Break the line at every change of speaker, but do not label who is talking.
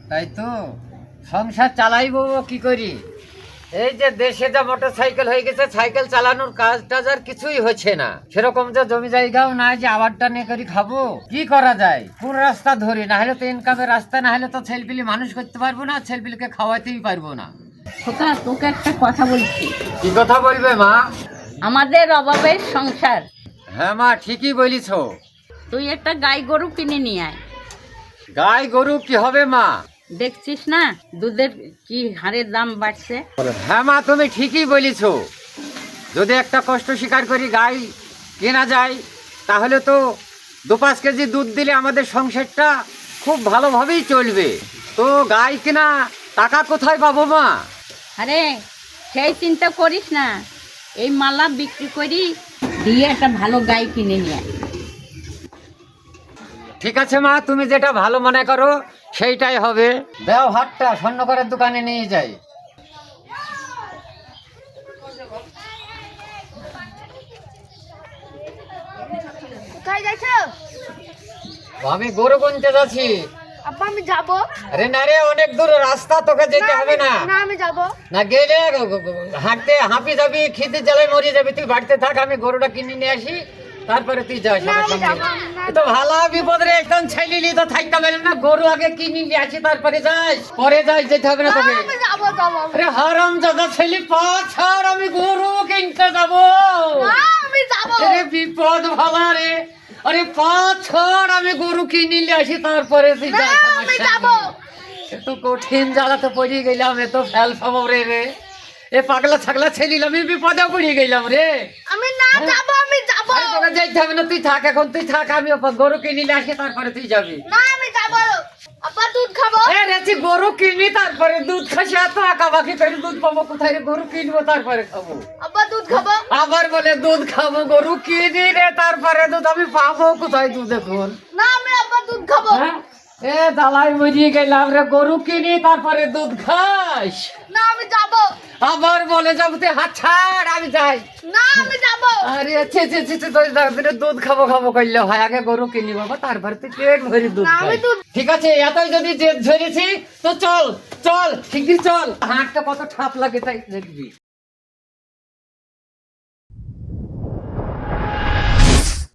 তাই তো সংসার চালাইবো কি করি? এই যে দেশে যা মোটর সাইকেল হয়ে গেছে, সাইকেল চালানোর কাজ টাজ আর কিছুই হচ্ছে না। সেরকম যে জমি জায়গাও নাই যে আবারটা নিয়ে করে খাবো। কি করা যায়? কোন রাস্তা ধরি? না হলে তো ইনকামের রাস্তা, না হলে তো ছেলেপিলি মানুষ করতে পারবো না, ছেলেপিলিকে খাওয়াতেই পারবো না।
খোকা, তোকে একটা কথা বলছি।
কি কথা বলবে মা?
আমাদের অভাবের সংসার।
হ্যাঁ মা, ঠিকই বলিছ।
তুই একটা গাই গরু কিনে নিয়ে আয়।
গাই গরু কি হবে মা?
দেখছিস না দুধের কি হারে দাম বাড়ছে।
হ্যাঁ মা, তুমি ঠিকই বলিছ। যদি একটা কষ্ট স্বীকার করি গাই কেনা যায়, তাহলে তো 2-5 কেজি দুধ দিলে আমাদের সংসারটা খুব ভালোভাবেই চলবে। তো গাই কেনা টাকা কোথায় পাবো মা?
আরে সেই চিন্তা করিস না, এই মালা বিক্রি করি দিয়ে একটা ভালো গাই কিনে নিয়ে আয়।
ঠিক আছে মা, তুমি যেটা ভালো মনে করো সেইটাই হবে। দেও হাটটা স্বর্ণকারের দোকানে নিয়ে যাই।
কোথায় যাচ্ছো?
আমি গরু কিনতে যাচ্ছি।
আব্বা আমি যাবো।
আরে না রে, অনেক দূর রাস্তা, তোকে যেতে হবে না।
না আমি যাবো।
না গেলে হাঁটতে হাঁপি যাবি, খিদে জ্বালায় মরে যাবি। তুই বাড়িতে থাক, আমি গরুটা কিনে নিয়ে আসি, তারপরে তুই যাস
না,
আমার
আমি
সঙ্গে।
যাবো না।
এ তো ভালো বিপদ রে, একদম ছেলিলি তো থাকতে পারলাম না। গরু আগে কিনে নিয়ে আসি, তারপরে যাস, পরে যাস, যেতে হবে না তোকে।
আমি যাবো।
আরে হারাম দাদা ছেলে, ছাড়, আমি গরু কিনতে যাবো।
না আমি যাবো।
আরে বিপদ ভালো রে। আরে ছাড়, আমি গরু কিনে নিয়ে আসি, তারপরে তুই
না
যাস আমার
আমি
সঙ্গে।
যাবো।
এত কঠিন জ্বালাতে পড়ে গেলাম, এত ফেল ফাবো রে। এ পাগলা ছাগলা ছেলিল, আমি বিপদে পড়ে গেলাম রে।
আমি না যাবো, আমি যাবো।
আরে তোকে যাইতে হবে না, তুই থাক, এখন তুই থাক, আমি গরু কিনে নিয়ে আসি, তারপরে তুই যাবি।
না আমি যাবো। আব্বা দুধ খাবো।
এ রেছি, গরু কিনি তারপরে দুধ খাসি, এত আঁকাবাকি করে দুধ পাবো কোথায় রে? গরু কিনবো তারপরে খাবো।
আব্বা দুধ খাবো।
আবার বলে দুধ খাবো, গরু কিনি রে তারপরে দুধ, আমি পাবো কোথায় দুধ এখন?
না আমি আব্বা দুধ খাবো।
হ্যাঁ? এ দালাই মরিয়ে গেলাম রে, গরু কিনি তারপরে দুধ খাস।
না আমি যাবো।
আবার বলে যাবো, তুই হাত ছাড়, আমি যাই।
না আমি যাবো।
আরে দুধ খাবো করলে হয়, আগে গরু কিনি বাবা, তারপরে তুই পেট ভরি দুধ
না, আমি
খাই।
দুধ-
ঠিক আছে, এতই যদি জেদ ধরেছি তো চল চল, শিগগির চল। হাঁটটা কত ঠাপ লাগে তাই দেখবি।